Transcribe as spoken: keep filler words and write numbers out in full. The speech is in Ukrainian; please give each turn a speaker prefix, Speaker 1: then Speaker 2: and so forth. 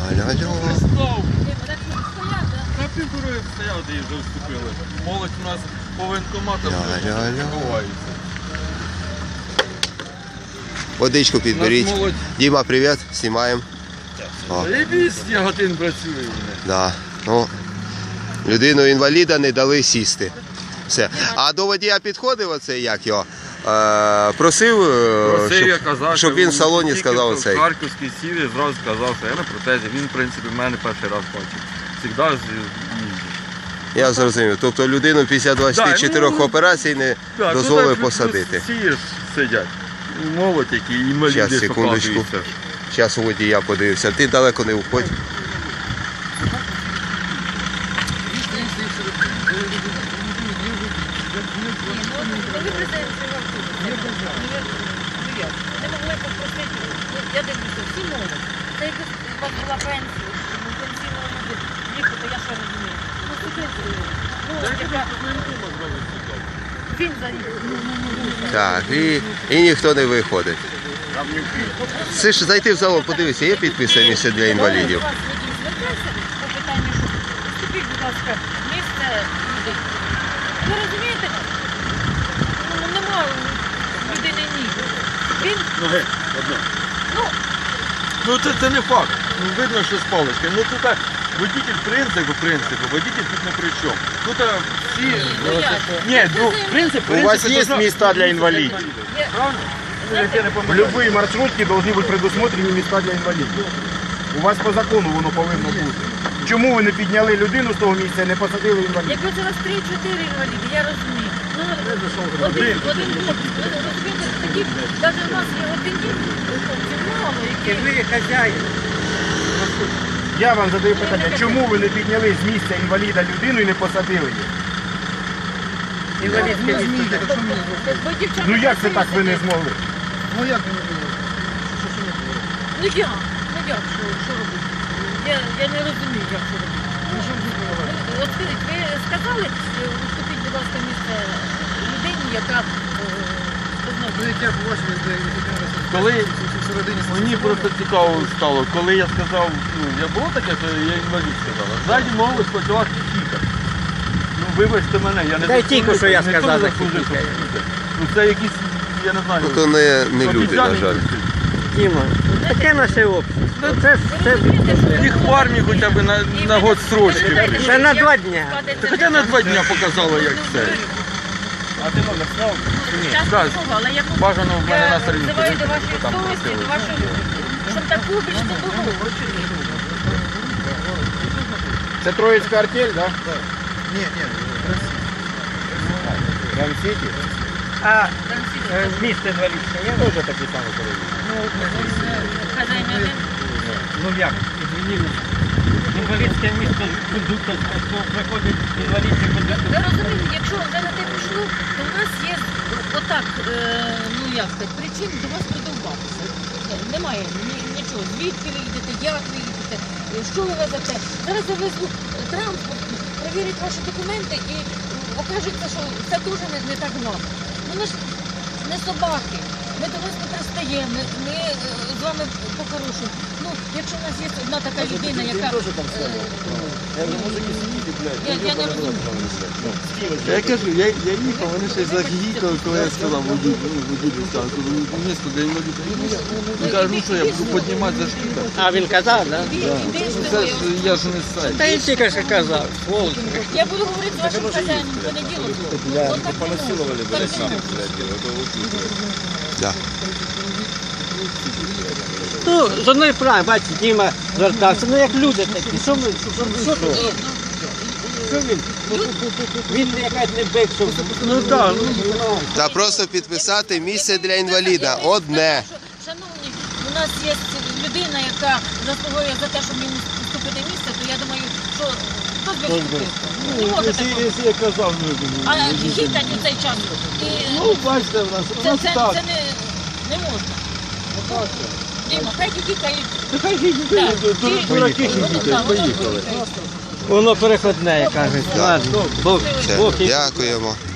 Speaker 1: Алло-алло.
Speaker 2: На півтори стояв, де вже вступили. Молодь у нас по воєнкоматам ховається.
Speaker 1: Водичку підберіть. Діма, привіт, знімаємо.
Speaker 2: Заєбісь, Яготин працює.
Speaker 1: Да. Ну, людину інваліда не дали сісти. Все. А до водія підходив оцей, як його? Е, просив,
Speaker 2: Просив,
Speaker 1: щоб,
Speaker 2: я казав,
Speaker 1: щоб він в салоні сказав оцей.
Speaker 2: В Харківській сів і зразу сказав, що я на протезі. Він, в принципі, в мене перший раз бачив. Всегда їздить.
Speaker 1: Я зрозумів. Тобто людину після двадцяти чотирьох
Speaker 2: да, ну,
Speaker 1: операцій не
Speaker 2: так,
Speaker 1: дозволили
Speaker 2: ну,
Speaker 1: посадити.
Speaker 2: Всі сидять. Молодь, які інваліди.
Speaker 1: Зараз, секундочку. Зараз у водія подивився. Ти далеко не уходь.
Speaker 3: Не могли попросити, я дивлюся, всі молодь. Це якось у вас була пенсія, пенсійного віку, то я що розумію. Ну, студенти, ну, яка... Він за рік.
Speaker 1: Так, і, і ніхто не виходить. Це ж зайти в залом, подивися, є підписане місце для інвалідів.
Speaker 3: По питанню, що вступіть, будь ласка, місце людей. Ви розумієте? Ну, нема людини ніг. Він...
Speaker 2: Ноги, одна.
Speaker 3: Ну,
Speaker 2: Ну це, це не факт. Ну, видно, що з палички. Ну тут водитель принципу, принципу, водитель тут не при чому. Тут всі...
Speaker 3: ну як?
Speaker 2: Ні, ну принцип,
Speaker 4: У вас
Speaker 2: принцип,
Speaker 4: есть
Speaker 2: должна-
Speaker 4: места для инвалидов?
Speaker 3: Є-
Speaker 2: Правильно?
Speaker 3: Знаєте,
Speaker 2: Я не
Speaker 4: В
Speaker 2: помиляюсь.
Speaker 4: любые маршрутки должны быть предусмотрені места для інвалідів. У вас по закону воно повинно бути. Чому ви не підняли людину з того місця і не посадили інваліда?
Speaker 3: Якби це у вас три-чотири інваліди, я розумію. Ну, один, один хлопець, ви розумієте, такі, навіть у нас є один хлопців мало, які...
Speaker 4: ви хазяїн. Я вам задаю питання, чому ви не підняли з місця інваліда людину і не посадили її?
Speaker 3: Інвалідське місце. Бо дівчата...
Speaker 4: Ну як це так ви не змогли?
Speaker 3: Ну як? Ну як? Ну як? Що, що робити? Я, я не розумію, як це робити. Ну, що ви робите? От скажіть, ви сказали, уступіть, будь ласка, місце людині, яка...
Speaker 2: Коли мені просто цікаво стало, коли я сказав, ну, я було таке, що я інвалід сказала. Ззаді молодь почала хіхікати. Ну, вибачте мене, я не
Speaker 5: Та й тільки, що я
Speaker 2: ніхто не
Speaker 5: сказав,
Speaker 2: заслужив, щоб
Speaker 5: захихікає.
Speaker 2: хіхікати. Ну це якісь, я не знаю.
Speaker 1: Ну, то не, не люди, на жаль.
Speaker 5: Діма, таке наше общество. Це ж це
Speaker 2: Їх в армії хоча б на, на год строчки.
Speaker 5: Ще на два дня.
Speaker 2: Та хоча на два дня показало, як це.
Speaker 4: А ти номер сняв?
Speaker 2: Так,
Speaker 3: Але я
Speaker 2: бажано в мене на сторінці.
Speaker 3: називаю до вашої
Speaker 2: Там
Speaker 3: совісті,
Speaker 2: просили.
Speaker 3: до вашої, щоб таку більш не
Speaker 4: Це Троїцька артель, так? Ні, ні. Рамсіті?
Speaker 5: А е, місце інвалідське є?
Speaker 4: Теж такі самі перевірки.
Speaker 3: Хазяїн один.
Speaker 5: Ну як? Інвалідське місце кондуктор, приходить інвалідський кондуктор.
Speaker 3: Ви розумієте, якщо вже на те пішло, то в нас є отак, е, ну як сказати, причин до вас придовбатися. Немає ні- нічого. Звідки ви їдете, як ви їдете, е, що ви везете. Зараз я везу транспорт, перевірять ваші документи і окажеться, що це дуже не, не так гладко. Ну ми ж не собаки. Ми до вас не пристаємо, ми, ми е, з вами по-хорошому. Ну, якщо в нас є одна така людина, яка... е, Я, я не розумію.
Speaker 2: Я кажу, я, я їхав, вони ще й загігікали, коли я сказав водію стану, ну місто для інвалідів. Він каже, ну що, я буду піднімати за шкіда.
Speaker 5: А він казав, так?
Speaker 3: Іди, іди,
Speaker 2: Ну
Speaker 3: з
Speaker 2: це
Speaker 3: тобою.
Speaker 2: ж я ж не сайт.
Speaker 5: Та й тільки що казав. Сволоч.
Speaker 3: Я буду говорити з вашим хазяїном в понеділок. От так не можна. Так не можна.
Speaker 1: Да.
Speaker 5: Ну, з одної справи, бачите, Діма звертався, ну як люди такі, що ми, що, що тут? Що він? Він якась не бик, що... Ну так, ну,
Speaker 1: Та просто підписати місце для інваліда. Одне.
Speaker 3: Шановні, у нас є людина, яка заслуговує за те, щоб йому вступити місце, то я думаю, що хто б його вступив? Не може такого.
Speaker 2: Якщо я казав,
Speaker 3: А хітать у цей час. І,
Speaker 2: ну бачите, в нас, у
Speaker 3: це,
Speaker 2: нас
Speaker 3: це,
Speaker 2: так.
Speaker 3: це не, не можна. Діма, хай хікають.
Speaker 2: Нехай їдуть, дураки їдуть, поїхали.
Speaker 5: воно переходне, як кажуть. Ладно, Бог,
Speaker 1: Все,
Speaker 5: Бог і
Speaker 1: дякуємо.